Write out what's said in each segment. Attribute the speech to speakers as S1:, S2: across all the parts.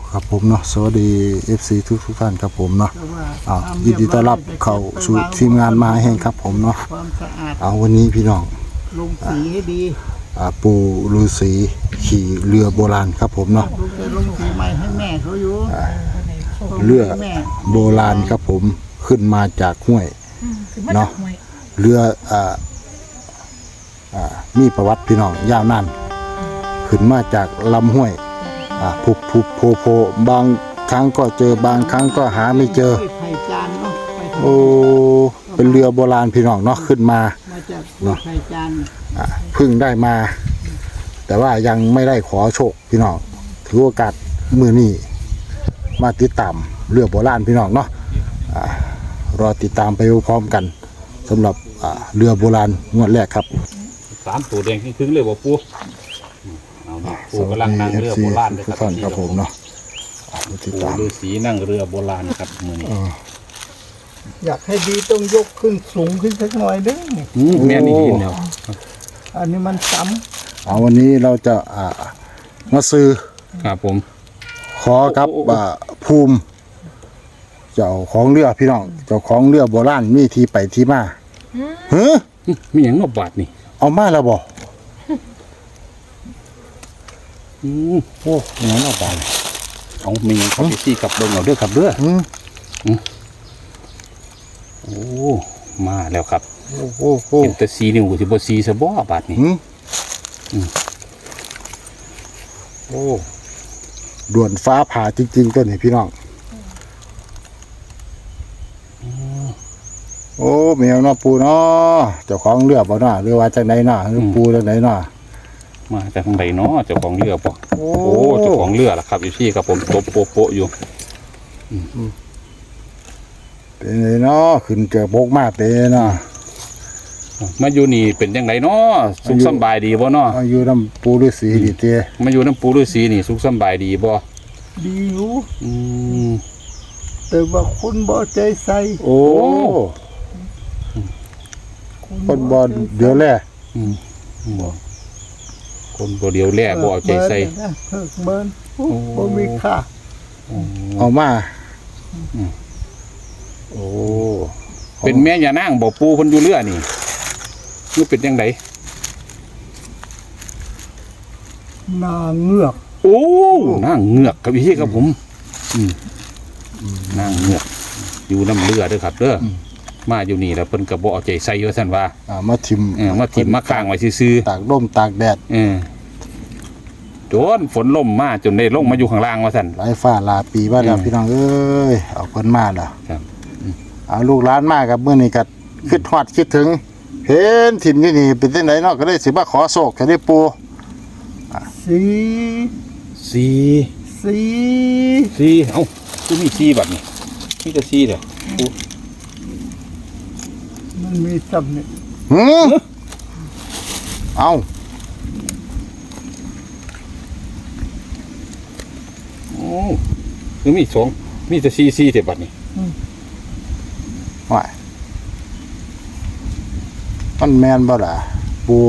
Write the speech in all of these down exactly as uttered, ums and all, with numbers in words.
S1: ครับผมเนาะสวัสดี เอฟ ซี ทุกทุกท่านครับผมเนาะอ้าวยินดีต้อนรับเข้าสู่ทีมงานมาแห่งครับผมเนาะเอาวันนี้พี่น้อง
S2: ลงสีให้ดี
S1: อ่าปู่ฤาษีขี่เรือโบราณครับผมเนาะ
S2: ลงสีใหม่ให้แม่เขาอยู่
S1: เรือโบราณครับผมขึ้นมาจากห้วยเนาะเรืออ่าอ่ามีประวัติพี่น้องยาวนานขึ้นมาจากลำห้วยอ่าผุบผุบโผโผบางครั้งก็เจอบางครั้งก็หาไม่เจอโอ้เป็นเรือโบราณพี่น้องเนาะขึ้นมาเนาะเพิ่งได้มาแต่ว่ายังไม่ได้ขอโชคพี่น้องถือโอกาสมือนี้มาติดตามเรือโบราณพี่น้องเนาะรอติดตามไปพร้อมกันสำหรับเรือโบราณงวดแรกครับ
S3: สามตัวแดงขึ้นเลยบ่ปูปูกำลังนั่งเรือโบราณเลยครับ
S1: ครับผมเนาะ
S3: ปูฤาษีนั่งเรือโบราณครับมือนี้
S2: อยากให้ดีต้องยกขึ้นสูงขึ้นสักหน่อยนึง
S3: แม่นี่ยินแล้ว
S2: อันนี้มันซ้
S1: ำเอาวันนี้เราจะอ่ามาซื้อ
S3: ครับผม
S1: ขอกับภูมิเจ้าของเรือพี่น้องเจ้าของเรือโบราณมีที่ไปที่มาเฮ้ย
S3: มีอย่างนอกบาทนี่
S1: เอามาแล้วบ่อืมโอ้ยงั้นเอาไป
S3: เอามีครับพี่กับเบิ้งเอาเด้อครับเด้ออืมโอ้มาแล้วครับ
S1: โอ้โห
S3: เห็นแต่สีนิ้วสิบ่สีซะบ่บาทนี่
S1: อืมโอ้ด่วนฟ้าผ่าจริงๆต้นนี่พี่น้องโอ้แมวเนาะปูเนาะเจ้าของเรือบ่เนาะหรือว่าจังไดเนาะหรือปูจังไดเนาะ
S3: มาจากทางใดเนาะเจ้าของเรือป่ะโอ้เจ้าของเรือล่ะครับอยู่ที่กับผมตบโปโปอยู่
S1: เป็นไงเนาะขึ้นเจอโบกมาเป็นเนาะ
S3: มาอยู่นี่เป็นยังไงเนาะสุขสบายดีบ่เนาะ
S1: มาอยู่น้ำปูฤาษีดีเต้
S3: มาอยู่น้ำปูฤาษีนี่สุขสบายดีบ่
S2: ดีอยู่แต่ว่าคุณบ่ใจใส่
S1: โอ้คนบ่เดี๋ยวแล
S3: คนบ่เดียวแล่บ่เอาใจใส่
S2: เพิกเบิ้นบ่มีค่า
S1: เอามาโอ้
S3: เป็นแม่ย่านางบ่ปูเพิ่นอยู่เรือนี่คือเป็นจังได
S2: นางเงือก
S3: โอ้นางเงือกครับพี่ครับผมนางเงือกอยู่น้ำเรือเด้อครับเด้อมาอยู่นี่แล้วเพิ่นก็บ่เอาใจใส่ว่าซั่นว่า
S1: อ่ามาทิ่ม
S3: เออมาทิ่มมาค้างไว้ซื่อ
S1: ๆตากลมตากแดด
S3: เออโดนฝนลมมาจนได้ลงมาอยู่ข้างล่างว่าซั่น
S1: หลายฟ้าหลายปีว่าแล้วพี่น้องเอ้ยเอาเพิ่นมาแล้วครับเอาลูกหลานมากับมื้อนี้ก็คิดฮอดคิดถึงเห็นถิ่นอยู่นี่เป็นจังไดเนาะก็ได้สิมาขอโชคแค่ได้ปู
S2: สี
S3: สี
S2: สี
S3: สีเอ้าคือมีสีแบบนี้มีแต่สีเด้อปู
S2: มันมีซ้ำนี่
S1: หือเอา
S3: โอ้คือมีสองมีแต่สีสีแต่บัดนี้
S1: ว่ามันแม่นบ่ล่ะปู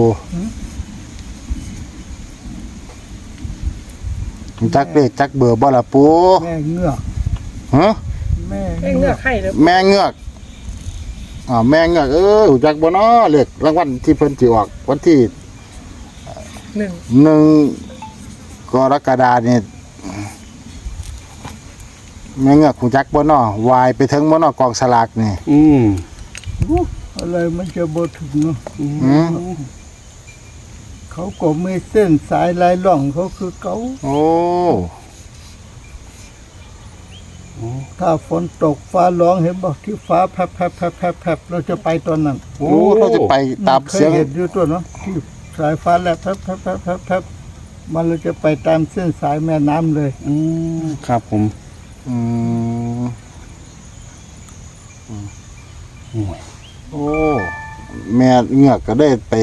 S1: จักเลขจักเบอร์บ่ล่ะปู
S2: แม่เงือก
S1: ฮะ
S2: แม่เงือกให้
S1: แม่เงือกอ่าแม่เงือกเออหูจักบ่เนาะเลขรางวัลที่เพิ่นสิออกวันที่
S2: หนึ่ง
S1: หนึ่งกรกฎาคมนี่แม่เงือกหูจักบ่เนาะวายไปถึงบ่เนาะกองสลากนี่
S3: อืม
S2: อะไรมันจะบ่ถึงเนาะอืมเขาก็ไม่เส้นสายลายล่องเขาคือเขา
S1: โอ้
S2: ถ้าฝนตกฟ้าร้องเห็นบอกที่ฟ้าแผบแผบแผบแผบแผบเราจะไปตอนนั้น
S1: โอ้เราจะไปตามเสียง
S2: เห็นอยู่ตัวเนาะที่สายฟ้าแลบแผบแผบแผบแผบแผบมันเราจะไปตามเส้นสายแม่น้ำเลย
S3: อืมครับผม
S1: อืมโอ้แม่เงือกก็ได้ไป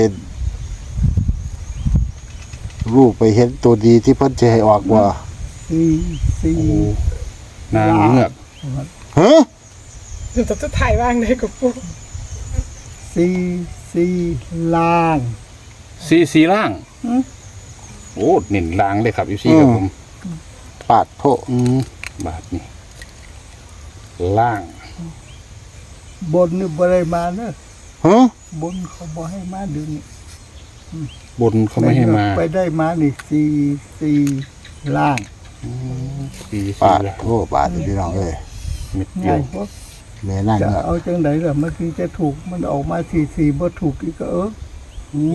S1: รูปไปเห็นตัวดีที่เพิ่นจะให้ออกว่า
S2: สีสี
S3: นางเงือก
S1: ฮะ
S4: เดี๋ยวจะถ่ายว่างได้กับพวก
S2: สีสีล่าง
S3: สีสีล่างโอ้เน้นล่างเลยครับอยู่ซี่ครับผม
S1: ปาดโท
S3: อืมบาทนี่ล่าง
S2: บนนี่บ่ได้มาเนอะ
S1: ฮะ
S2: บนเขาบ่ให้มาเดือนนี้
S3: บนเขาไม่ให้มา
S2: ไปได้มานี่สี่สี่ล่าง
S3: ปี
S1: ปาด
S3: แล้ว
S1: โทปาดพี่น้องเอ้ย
S3: เม็ดเดีย
S2: ง่ายว เพราะ
S1: แม่นั่ง
S2: จะ
S1: เงือก
S2: เอาจังไดล่ะเมื่อกี้จะถูกมันออกมาสี่สี่บ่ถูกอีกก็เออ
S1: โอ้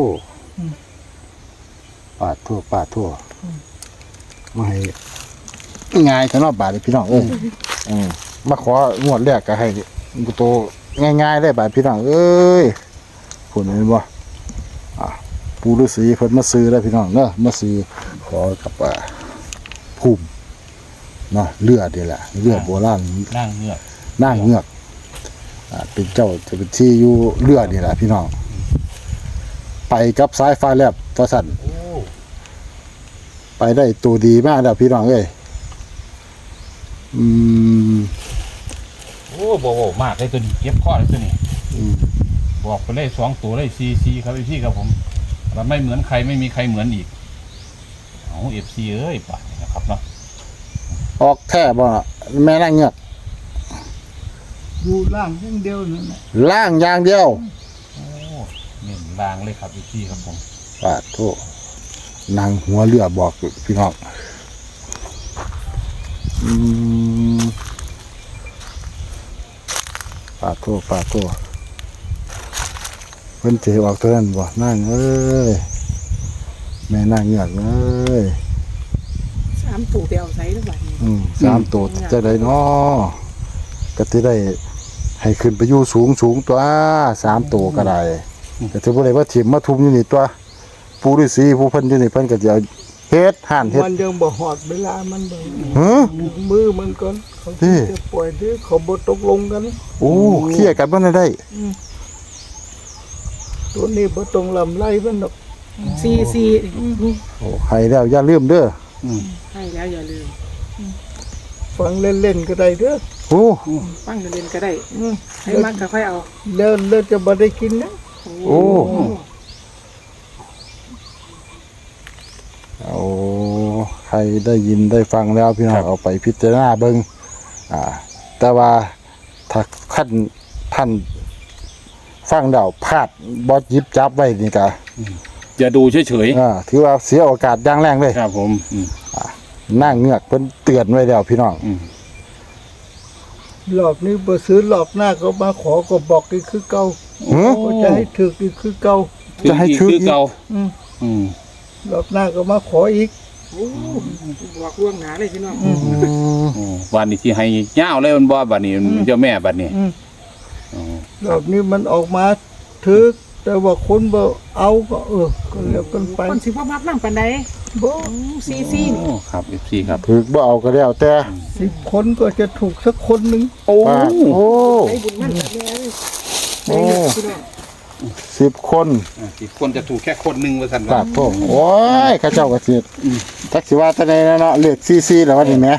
S1: ปาดโทปาดโทมาให้ง่ายขนาดบาดพี่น้องเอ้ยอืมมาของวดแรกก็ให้โตง่ายๆได้บาดพี่น้องเอ้ยผลเห็นบ่อ่ะปูฤาษีเพิ่นมาซื้อแล้วพี่น้องเนาะมาซื้อขอกับอ่าภูมิเนาะเลือดนี่แหละเลือดโบราณ
S3: นั่งเงือก
S1: นางเงือกอ่าเป็นเจ้าจะเป็นที่อยู่เลือดนี่แหละพี่น้องไปกับสายฟ้าแลบตัวสั่นไปได้ตัวดีมากแล้วพี่น้องเอ้ยอืม
S3: โอ้โบโบมากเลยตัวนี้เก็บข้อเลยตัวนี้
S1: อืม
S3: บอกไปเลยสองตัวเลยซีซีครับพี่ครับผมเราไม่เหมือนใครไม่มีใครเหมือนอีกเอาเอฟซีเอ้ยป่านนี้นะครับเนาะ
S1: ออกแท้บ่ล่ะแม่นางเงือก
S2: อยู่ล่างอย่างเดียวนั่นแหละ
S1: ล่างอย่างเดียว
S3: โอ้เน้นลางเลยครับพี่พี่ครับผม
S1: ปาดโทนางหัวเรือบอกพี่น้องอืมปาดโทปาดโทเพิ่นเจออกตัวนั้นบ่นั่งเอ้ยแม่นางเงือกเอ้ย
S4: สามตู่ไปเอาไซส์แล้วบัดนี้
S1: อืมสามตัวจะได้น้อก็จะได้ให้ขึ้นไปอยู่สูงสูงตัวสามตัวก็ได้ก็ถือว่าได้ว่าถิ่มมาทุ่มอยู่นี่ตัวปูฤาษีผู้เพิ่นอยู่นี่เพิ่นก็จะเอาเฮ็ดห่านเฮ็ด
S2: มันยังบ่หอดเวลามันบ่
S1: ฮะ
S2: มือมันก่อนเขา
S1: ที่
S2: จะปล่อยเด้อเขาบ่ตกลงกัน
S1: โอ้เคลียร์กันบ่ได้
S2: ตัวนี้บ่ต้องลำไล่มันดอก
S4: ซีซี
S1: โอ้ให้แล้วอย่าลืมเด้อ
S4: ให้แล้วอย่าลืม
S2: ฟังเล่นๆก็ได้เด้อ
S1: โอ้
S4: ฟังเล่นๆก็ได้ให้มักก็ค่อยเอา
S2: แล้วแล้วจะบ่ได้กินนะ
S1: โอ้เอาใครได้ยินได้ฟังแล้วพี่น้องเอาไปพิจารณาเบิ่งอ่า แต่ว่าถ้าขั้นท่านฟังแล้วพลาดบ่หยิบจับไว้นี่ก็
S3: อย่าดูเฉย
S1: อ่าถือว่าเสียโอกาสอย่างแรงเลย
S3: ๆครับผมอืม
S1: นางเงือกเพิ่นเตือนไว้แล้วพี่น้อง
S3: อืม
S2: รอบนี้บ่ซื้อรอบหน้าก็มาขอก็บอกอีกคือเก่า
S1: หือ
S2: ก็จะให้ถึกอีกคือเก่า
S1: จะให้ชื่อ
S3: คือเก่า
S2: อืม
S3: อืม
S2: รอบหน้าก็มาขออีก
S4: โอ้บอกล่วงหนาเลยพี่น้อง
S1: อืม
S3: โอ้วันนี้ที่ให้ย่าวเลยมันบ่บัดนี้เจ้าแม่บัดนี้
S2: อืม
S3: อ๋อ
S2: รอบนี้มันออกมาถึก แต่ว่าคนบ่เอาก็เออก็แล้วกันไป
S4: คนสิบ่มักนั่งปานใด
S2: บ่
S4: ซีซีนี่
S3: โอ้ครับเอฟซีครับ
S1: ถึกบ่เอาก็แล้วแต่
S2: สิบคนก็จะถูกสักคนหนึง
S3: โอ้
S1: ปาดโอ้
S4: ให้บุญมันแบบนี้เลย
S1: โอ้
S4: พี่น้อง
S1: สิบคน
S3: สิบคนจะถูกแค่คนหนึ่งว่าสัน
S1: ปาดโทษโอ้ยข้าเจ้าก็สิจักสิว่าแต่ใดแล้วเนาะเลขซีๆแล้วว่านี่แหม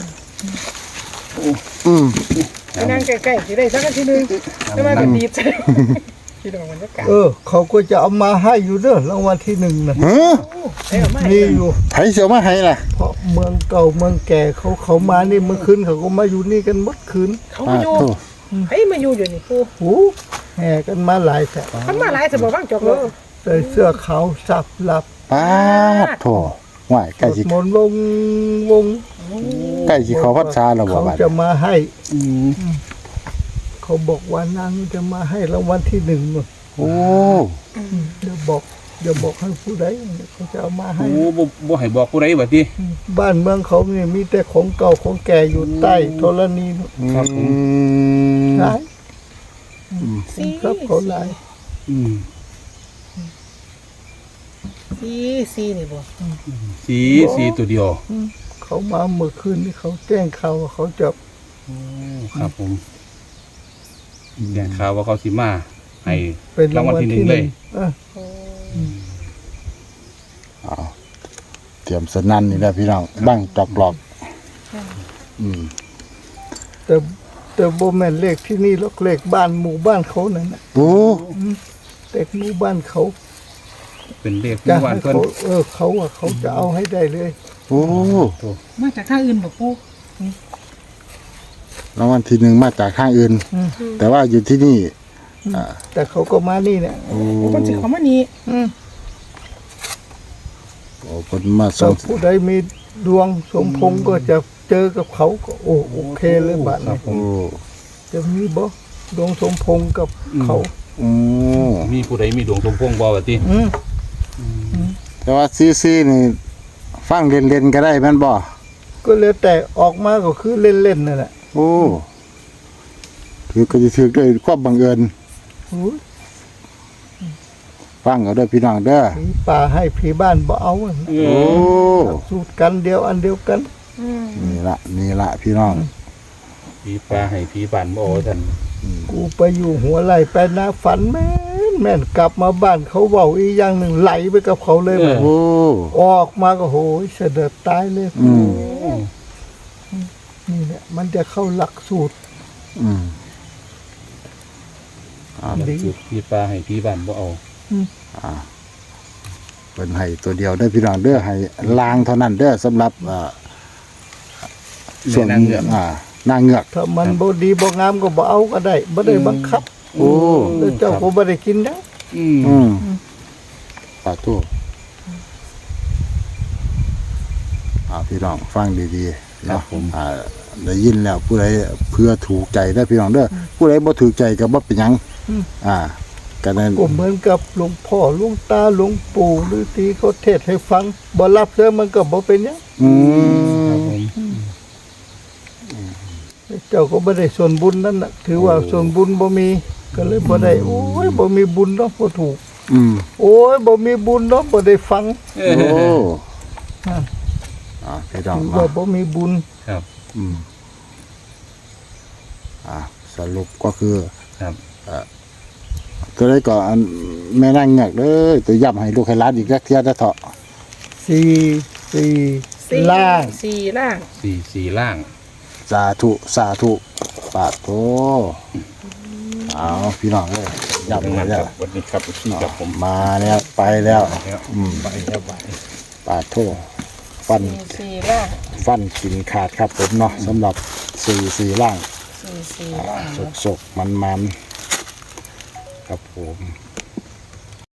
S1: อืม
S4: ไปนั่งใกล้ๆสิได้สักนาทีหนึงแต่ว่าก็ดีใจพี่น้องบรรยากาศ
S2: เออ เขาก็จะเอามาให้อยู่เด้อรางวัลที่หนึ่งน่ะ
S1: หือ
S4: ให้เอามาให้
S2: มีอยู่
S1: ไผเสียวมาให้ล่ะ
S2: เพราะเมืองเก่าเมืองแก่เขาเขามานี่เมื่อคืนเขาก็มาอยู่นี่กันหมดคืน
S4: เขา
S1: ปา
S4: มา
S1: ด
S4: อยู่
S1: โทษ
S4: เฮ้ยมาอยู่อยู่นี่ปู
S2: โอ้แห่กันมาหลายแสน
S4: มันมาหลายสมบังจอกเลย
S2: ใส่เสื้อขาวสับหลับ
S1: ปาดโทษว่ายใกล้
S2: ส
S1: สิ
S2: วดมนต์วงวง
S1: ใกล้สิเข้าพรรษาแล้วบ่
S2: เขา
S1: บัด
S2: จะมาให้ เขาบอกว่านางจะมาให้รางวัลที่หนึ่งนู่น
S1: โอ้
S2: เดี๋ยวบอกเดี๋ยวบอกให้ผู้ใดเขาจะเอามาให้
S3: โอ้บ่บ่ให้บอกผู้ใดบัดนี้
S2: บ้านเมืองเขาเนี่ยมีแต่ของเก่าของแก่อยู่ใต้ธรณีนู่น
S3: ครับผม
S2: หลาย
S4: ซี
S2: ครับเขาหลาย
S3: อืม
S4: ซีซีนี่บ่
S3: สีสีตัวเดียว
S2: เขามาเมื่อคืนนี่เขาแจ้งข่าวว่าเขาจะ
S3: ครับผมแจ้งข่าวว่าเขาสิมาให้
S2: เป็นรางวัลที่หนึ่ง
S3: รางวัลที่หนึ่งเลย
S2: เออ
S1: เอาเตรียมสนั่นนี่แหละพี่น้องบังจอกหลอกอืม
S2: แต่แต่โบแมนเลขที่นี่หรอกเลขบ้านหมู่บ้านเขานั่นนะ
S1: โอ้
S2: เลขหมู่บ้านเขา
S3: เป็นเลขห
S2: จะ
S3: มู่บ้าน
S2: ให้
S3: เพิ่น
S2: เขาเออเขาอะเขาจะเอาให้ได้เลย
S3: โ
S1: โอ้
S4: มาจากทางอื่นบ่ปู
S1: รางวัลที่หนึ่งมาจากข้างอื่น แต่ว่าอยู่ที่นี่
S2: แต่เขาก็มานี่เนี่ย
S1: โอ้
S4: โอ้คนสิเขามานี่
S2: อืม
S1: โอ้คนมาส่
S2: ถ้าง ผู้ใดมีดวงสมพงษ์ก็จะเจอกับเขาก็โอ้โอเคเลยบัด
S3: ครั
S2: นี้
S3: บผม
S1: โอ้
S2: จะมีบ่ดวงสมพงษ์กับเขา
S1: โอ้
S3: มีผู้ใดมีดวงสมพงษ์บ่ว่าติ
S2: อืม
S1: แต่ว่าซีซีนี่ฟังเล่นๆก็ได้แม่นบ่
S2: ก็เลยแต่ออกมาก็คือเล่นๆนั่นแหละ
S1: โอ้ถือก็จะถือด้วยความบังเอิญ
S2: โอ้ย
S1: ฟังเอาเด้อพี่น้องเด้อ
S2: ผีป่าให้ผีบ้านบ่เอาอะ
S3: เอ
S1: โอ้
S3: อ
S2: สูตรกันเดียวอันเดียวกัน
S4: อืม
S1: นี่ละนี่ละพี่น้อง
S3: ผีปลาให้ผีบ้านบ่เอาท่าน
S2: กูไปอยู่หัวไหลไปนะฝันแม่นแม่นกลับมาบ้านเขาเว้าอีกอย่างหนึ่งไหลไปกับเขาเลยแบบ
S1: โอ้
S2: ออกมาก็โหยเสด็จตายเลย
S1: อืม
S2: นี่แหละมันจะเข้าหลักสูตร
S1: อืม
S2: ดี
S3: ผีปลาให้ผีบ้านบ่เอา
S1: เป็นให้ตัวเดียวได้อพี่น้องเด้อให้ลางเท่านั้นเด้อสำหรับอ่าส่วน
S3: แม่นางเงือก
S1: อ่า นางเงือก
S2: ถ้ามันบ่ดีบ่งามก็บ่เอาก็ได้บ่ได้บังคับ
S1: โอ้
S2: แล้วเจ้าก็บ่ได้กินนะ
S3: อืม
S1: อืมปาตู้อ่าพี่น้องฟังดีๆเนาะอ่าได้ยินแล้วผู้ใดเพื่อถูกใจได้อพี่น้องเด้อผู้ใดบ่ถูกใจก็บ่เป็นหยังอ่าก็นั้น
S2: ก็เหมือนกับหลวงพ่อหลวงตาหลวงปู่หรือที่เขาเทศน์ให้ฟังบ่รับเด้อมันก็บ่เป็นหยัง
S1: อื
S3: ครับ
S1: ม
S3: ผม
S2: เจ้าก็บ่ได้ส่วนบุญนั่นน่ะถือว่าส่วนบุญบ่มีก็เลยบ่ได้โอ้ยบ่มีบุญเนาะบ่ถูก
S1: อืม
S2: โอ้ยบ่มีบุญเนาะบ่ได้ฟัง
S3: เอ
S1: โอ้
S3: อ
S1: อ่าพี่น้อง
S2: ถือ
S1: เนาะ
S2: ว่าบ่มีบุญ
S3: ครับ
S1: อืมอ่าสรุปก็คือ
S3: ครับ
S1: ตัวได้ก่อนแม่นั่งเงือกเด้อตัวย่ำให้ลูกให้หล้านอีกจักเทียได้เถาะ
S2: สี่สี่
S4: สี่
S2: ล่าง
S4: สี่ล่าง
S3: สี่สี่ล่าง
S1: สาธุสาธุปาโตเอาพี่น้องเลยย่ำ
S3: ดัง
S1: ให้
S3: นั้น
S1: แล้
S3: คว รับวันนี้ครับพี่ครับผม
S1: มาแล้วไปแล้ว
S3: แล้ว
S1: อืม
S3: ไปแล้วไป
S1: ปาโทฟัน
S4: สี่สี่ล่าง
S1: ฟันกินขาดครับผมเนาะสำหรับสี่สี่ล่าง
S4: สี่สี่ล่าง
S1: สกสกมันมันๆครับผม